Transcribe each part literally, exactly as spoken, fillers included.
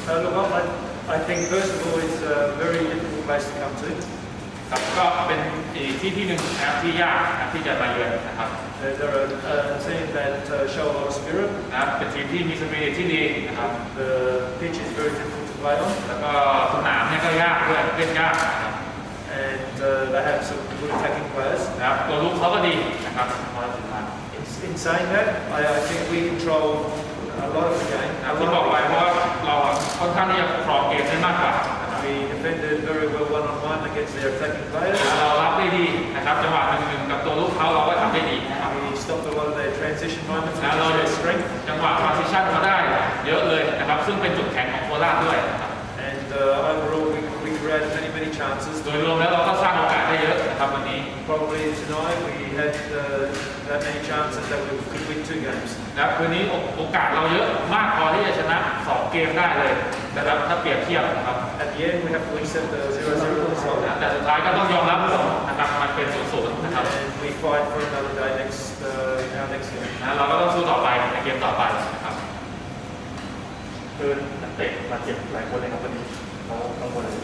Uh, look, I, I think first of all it's a very difficult place to come to. ครับก็เป็นอีกที่ที่หนึ่งนะครับที่ยากนะครับที่จะมาเยือนนะครับ Uh, they're a, a team that uh, show a lot of spirit. นะครับเป็นทีมที่มีสปิริตที่ดีนะครับ The pitch is very difficult to play on, แล้วก็สนามเนี่ยก็ยากด้วยเล่นยากนะครับ and uh, they have some good attacking players. นะครับตัวลุกเขาก็ดีนะครับพอถึงมา In, in saying that, I, I think we control a lot of the game. นะครับที่บอกไปเพราะว่าเราค่อนข้างที่จะครองเกมได้มากกว่านะครับ We defended very well one-on-one against their attacking players. เรารับได้ดีนะครับจังหวะหนึ่งๆกับตัวลุกเขาเราก็ทำได้ดีนะครับ We stopped a lot of their transition moments, แล้ว which เรา is their strength. จังหวะ transition เขาได้เยอะเลยนะครับซึ่งเป็นจุดแข็งของโคราชด้วยนะครับ And uh, overall, we, we created many, many chances. โดยรวมแล้วเราก็สร้างโอกาสได้เยอะนะครับวันนี้ Probably tonight we had uh, that many chances that we could win two games. นะครับคืนนี้โอกาสเราเยอะมากพอที่จะชนะสองเกมได้เลยนะครับถ้าเปรียบเทียบนะครับ At the end, we have to accept the zero zero result. แต่สุดท้ายก็ต้องยอมรับผลนะครับมันเป็นศูนย์ศูนย์นะครับ And we fight for another day next uh, in our next game. นะเราก็ต้องสู้ต่อไปในเกมต่อไปนะครับคือนักเตะบาดเจ็บหลายคนเลยครับวันนี้เขากังวลอะไร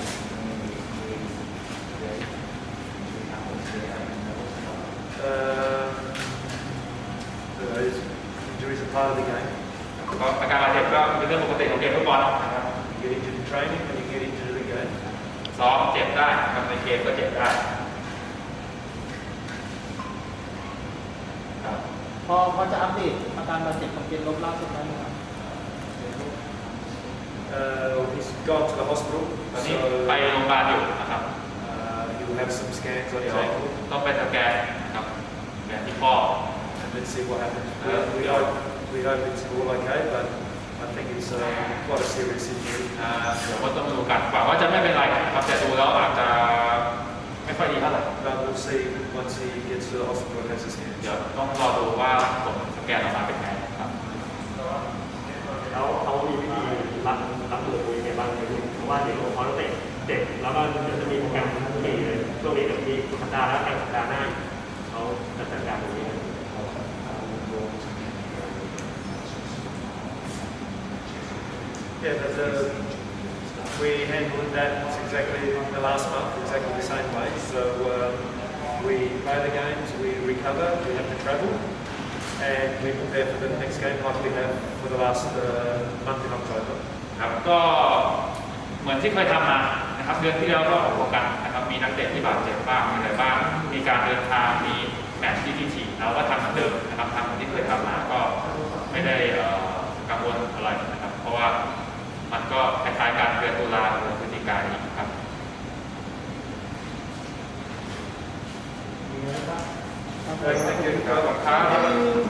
Uh, those injuries are part of the game. ก็อาการบาดเจ็บก็เป็นเรื่องปกติของเกมฟุตบอลนะครับ You get injured in training and you get injured in the game. ซ้อมเจ็บได้นะครับในเกมก็เจ็บได้ครับพอพอจะอัปเดตอาการบาดเจ็บของเกมลบล่าสุดได้ไหมครับ Uh, he's gone to the hospital, ตอนนี้ so ไปโรงพยาบาลอยู่นะครับ uh, he'll have some scans on เดี๋ his ยว ankle, ต้องไปสแกนนะครับสแกนที่ข้อ and let's see what happens. We, Uh, we hope we hope it's all okay, but I think it's uh, quite a serious injury. อ่าเดี๋ยวก็ต้องดูกันหวังว่าจะไม่เป็นไรนะครับแต่ดูแล้วอาจจะไม่ค่อยดีเท่าไหร่ But we'll see once he gets to the hospital and has his เดี๋ยว scans. ต้องรอดูว่าผลสแกนออกมาเป็นไงครับแล้วเขามีวิธีรับรับมือตัวเองไงบ้างเนี่ยเพราะว่าเดี๋ยวเขาต้องเตะเด็กแล้วก็เดี๋ยวจะมีโปรแกรมทั้งปีเลยช่วงนี้เดี๋ยวมีสัปดาห์แล้วกันสัปดาห์หน้าเขาจะจัดการตรงนี้ Yeah, but uh, we handled that exactly the last month, exactly the same way. So um, we play the games, we recover, we have to travel, and we prepare for the next game like we have for the last uh, month in October. ครับก็เหมือนที่เคยทำมานะครับเดือนที่แล้วก็ออกโปรแกรมนะครับมีนักเตะที่บาดเจ็บบ้างมีอะไรบ้างมีการเดินทางมีแมตช์ที่ที่ถี่เราก็ทำเหมือนเดิมนะครับทำเหมือนที่เคยทำมาก็ไม่ได้เอ่อกังวลอะไรนะครับเพราะว่ามันก็คล้ายๆการเดือนตุลาหรือพฤศจิกายนนี้ครับ Thank you. ครับ